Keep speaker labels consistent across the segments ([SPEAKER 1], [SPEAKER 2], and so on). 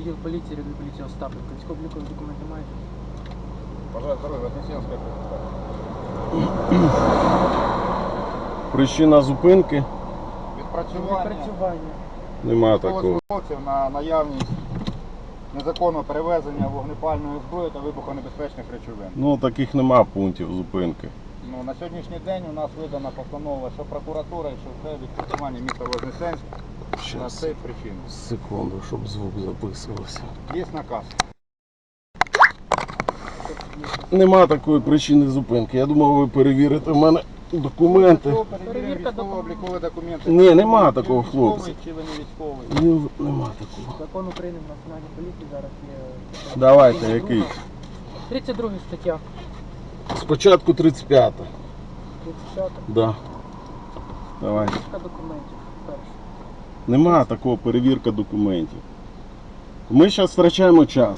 [SPEAKER 1] відділ поліції, рядовий поліції Остапенко. Військово-облікові документи маєте?
[SPEAKER 2] Бажаю здоров'я, Вознесенська.
[SPEAKER 3] Причина зупинки?
[SPEAKER 1] Відпрацювання.
[SPEAKER 3] Нема такого.
[SPEAKER 2] Військовослужбовців на наявність незаконного перевезення вогнепальної зброї та вибухонебезпечних речовин.
[SPEAKER 3] Ну, таких нема пунктів зупинки.
[SPEAKER 2] Ну, на сьогоднішній день у нас видана постанова, що прокуратура, що це відпрацювання міста Вознесенськ на
[SPEAKER 3] Щас,
[SPEAKER 2] цей причин.
[SPEAKER 3] секунду, щоб звук записувався.
[SPEAKER 2] Є наказ.
[SPEAKER 3] Нема такої причини зупинки. Я думав, ви перевірите в мене документи.
[SPEAKER 2] Перевірка військово-облікові документи.
[SPEAKER 3] Ні, нема такого, хлопці.
[SPEAKER 2] Чи ви не військовий?
[SPEAKER 3] Нема такого.
[SPEAKER 1] Закон України в національній поліції зараз є.
[SPEAKER 3] Давайте, який?
[SPEAKER 1] 32 стаття.
[SPEAKER 3] Спочатку 35.
[SPEAKER 1] 35
[SPEAKER 3] Да. Давай.
[SPEAKER 1] перевірка документів. Перше.
[SPEAKER 3] Нема такого перевірка документів. Ми зараз втрачаємо час.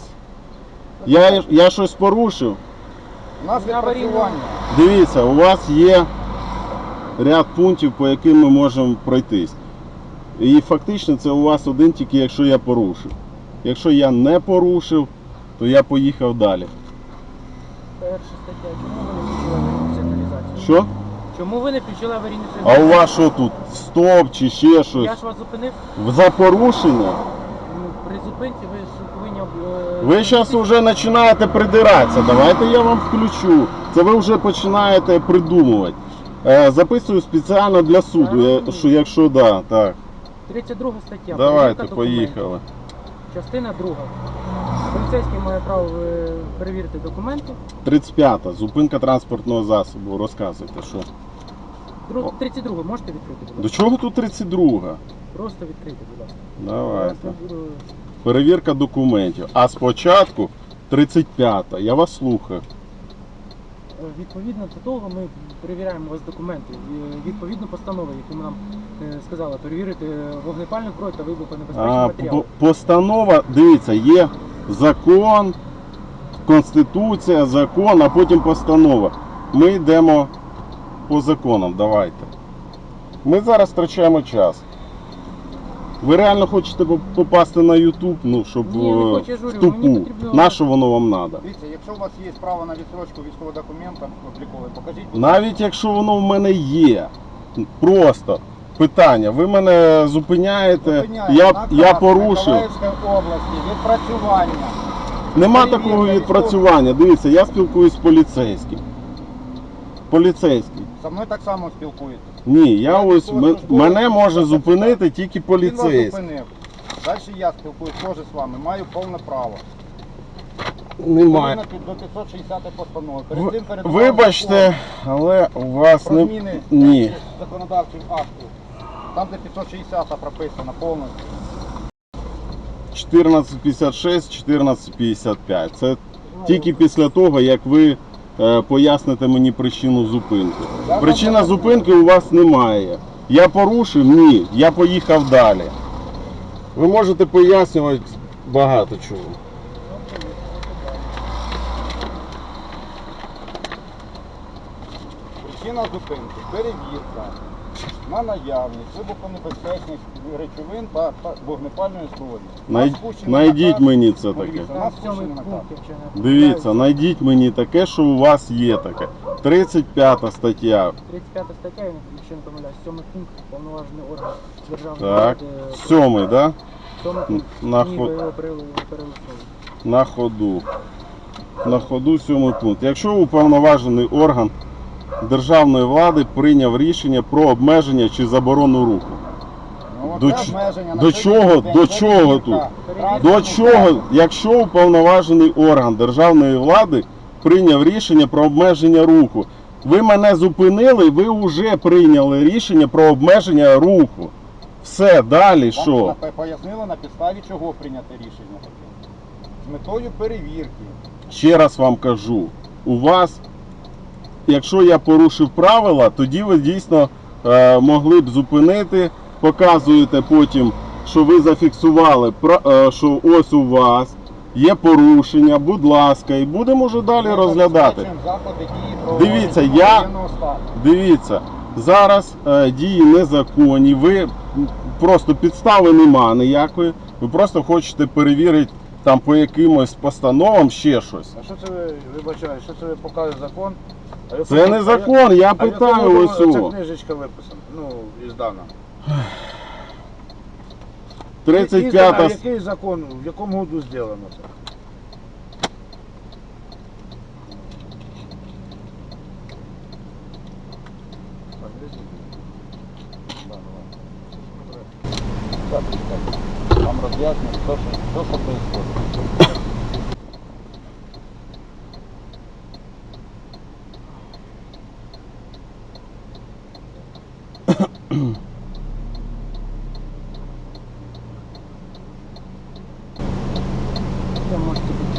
[SPEAKER 3] Я щось порушив.
[SPEAKER 2] У нас відпрацювання.
[SPEAKER 3] Дивіться, у вас є ряд пунктів, по яким ми можемо пройтись. І фактично це у вас один тільки, якщо я порушив. Якщо я не порушив, то я поїхав далі.
[SPEAKER 1] Перша стаття. Чому ви не включили аварійну сигналізацію?
[SPEAKER 3] Що?
[SPEAKER 1] Чому ви не включили аварійну
[SPEAKER 3] А
[SPEAKER 1] сигналізацію?
[SPEAKER 3] у вас що тут? Стоп чи ще
[SPEAKER 1] Я
[SPEAKER 3] щось?
[SPEAKER 1] ж вас зупинив.
[SPEAKER 3] За порушення?
[SPEAKER 1] Ну, при зупинці ви ж повинні...
[SPEAKER 3] Ви зараз вже починаєте придиратися. Давайте я вам включу. Це ви вже починаєте придумувати. Записую спеціально для суду, що якщо да, так.
[SPEAKER 1] 32 стаття.
[SPEAKER 3] Давайте,
[SPEAKER 1] перевірка документів.
[SPEAKER 3] поїхали.
[SPEAKER 1] Частина 2. Поліцейський має право перевірити документи.
[SPEAKER 3] 35-та. Зупинка транспортного засобу. Розказуйте, що.
[SPEAKER 1] 32 можете відкрити, будь
[SPEAKER 3] До
[SPEAKER 1] ласка?
[SPEAKER 3] чого тут 32-га?
[SPEAKER 1] Просто відкрити, будь ласка.
[SPEAKER 3] Давайте.
[SPEAKER 1] Я буду...
[SPEAKER 3] Перевірка документів. А спочатку 35-та. Я вас слухаю.
[SPEAKER 1] Відповідно до того ми перевіряємо у вас документи. Відповідно постанови, яку нам сказали, перевірити вогнепальну зброю та вибухонебезпечні матеріали.
[SPEAKER 3] Постанова, дивіться, є закон, конституція, закон, а потім постанова. Ми йдемо по законам, давайте. Ми зараз втрачаємо час. Ви реально хочете попасти на YouTube, ну, щоб
[SPEAKER 1] Ні, не хочу, я ж
[SPEAKER 3] в
[SPEAKER 1] говорю, мені
[SPEAKER 3] тупу.
[SPEAKER 1] потрібно-
[SPEAKER 3] На що воно вам треба?
[SPEAKER 2] Дивіться, якщо у вас є право на відсрочку військового документа обліковий, покажіть.
[SPEAKER 3] Навіть якщо воно в мене є, просто питання, ви мене зупиняєте,
[SPEAKER 2] Зупиняємо.
[SPEAKER 3] я
[SPEAKER 2] Наказ
[SPEAKER 3] порушив.
[SPEAKER 2] Миколаївської області, відпрацювання.
[SPEAKER 3] Нема
[SPEAKER 2] Перевірка
[SPEAKER 3] такого відпрацювання. Дивіться, я спілкуюсь з поліцейським. Поліцейський.
[SPEAKER 2] Со мною так само спілкуєтесь.
[SPEAKER 3] Ні, я ось
[SPEAKER 2] військовослужбовець,
[SPEAKER 3] мене може
[SPEAKER 2] так,
[SPEAKER 3] зупинити тільки
[SPEAKER 2] Він вас
[SPEAKER 3] поліцейський.
[SPEAKER 2] зупинив. Далі я спілкуюсь теж з вами, маю повне право.
[SPEAKER 3] Немає.
[SPEAKER 2] Відповідно до 560 постанови. Перед цим перед
[SPEAKER 3] Вибачте, але у вас
[SPEAKER 2] про
[SPEAKER 3] не...
[SPEAKER 2] зміни
[SPEAKER 3] Ні.
[SPEAKER 2] законодавчих актів. Там, де 560 прописано повністю.
[SPEAKER 3] 1456, 1455. Це тільки після того, як ви поясните мені причину зупинки. Причина зупинки у вас немає. Я порушив? Ні. Я поїхав далі. Ви можете пояснювати багато чого.
[SPEAKER 2] Причина зупинки, перевірка на наявність вибухонебезпечних речовин та вогнепальної зброї.
[SPEAKER 3] Найдіть мені це таке.
[SPEAKER 2] Дивіться, у
[SPEAKER 1] Там
[SPEAKER 2] нас
[SPEAKER 1] в цьому
[SPEAKER 2] спущений наказ.
[SPEAKER 1] пункті, якщо не
[SPEAKER 3] Дивіться,
[SPEAKER 1] помиляюсь,
[SPEAKER 3] найдіть мені таке, що у вас є таке. 35 стаття.
[SPEAKER 1] 35 стаття, якщо не помиляюсь, 7 пункт, повноважений орган державної
[SPEAKER 3] Так.
[SPEAKER 1] влади.
[SPEAKER 3] 7-й, да?
[SPEAKER 1] 7 пункт.
[SPEAKER 3] На
[SPEAKER 1] Ні,
[SPEAKER 3] ход-
[SPEAKER 1] ви його перелистнули.
[SPEAKER 3] На ходу. На ходу 7 пункт. Якщо уповноважений орган державної влади прийняв рішення про обмеження чи заборону руху.
[SPEAKER 2] Ну,
[SPEAKER 3] До
[SPEAKER 2] це
[SPEAKER 3] ч-
[SPEAKER 2] обмеження на
[SPEAKER 3] до
[SPEAKER 2] сьогоднішній
[SPEAKER 3] чого-
[SPEAKER 2] день.
[SPEAKER 3] до чого тут? До чого, якщо уповноважений орган державної влади прийняв рішення про обмеження руху, ви мене зупинили, ви вже прийняли рішення про обмеження руху. Все, далі що?
[SPEAKER 2] Вам пояснили, на підставі чого прийняти рішення таке. З метою перевірки.
[SPEAKER 3] Ще раз вам кажу, у вас, якщо я порушив правила, тоді ви дійсно могли б зупинити, показуєте потім, що ви зафіксували, що ось у вас є порушення, будь ласка, і будемо вже далі
[SPEAKER 2] Ми
[SPEAKER 3] розглядати.
[SPEAKER 2] забезпечуємо заходи дії про
[SPEAKER 3] Дивіться,
[SPEAKER 2] воєнного стану.
[SPEAKER 3] Дивіться, зараз дії незаконні, ви просто підстави нема ніякої. Ви просто хочете перевірити там по якимось постановам ще щось.
[SPEAKER 2] А що це ви, вибачаю, що це ви показує закон? А в
[SPEAKER 3] Це
[SPEAKER 2] якому-
[SPEAKER 3] не закон, я
[SPEAKER 2] а в
[SPEAKER 3] питаю
[SPEAKER 2] якому
[SPEAKER 3] ось
[SPEAKER 2] Ця
[SPEAKER 3] цього.
[SPEAKER 2] книжечка виписана, ну, іздана.
[SPEAKER 3] 35-та.
[SPEAKER 2] Який закон, в якому году зроблено це? Там роз'яснюють, що происходит.
[SPEAKER 1] Ви можете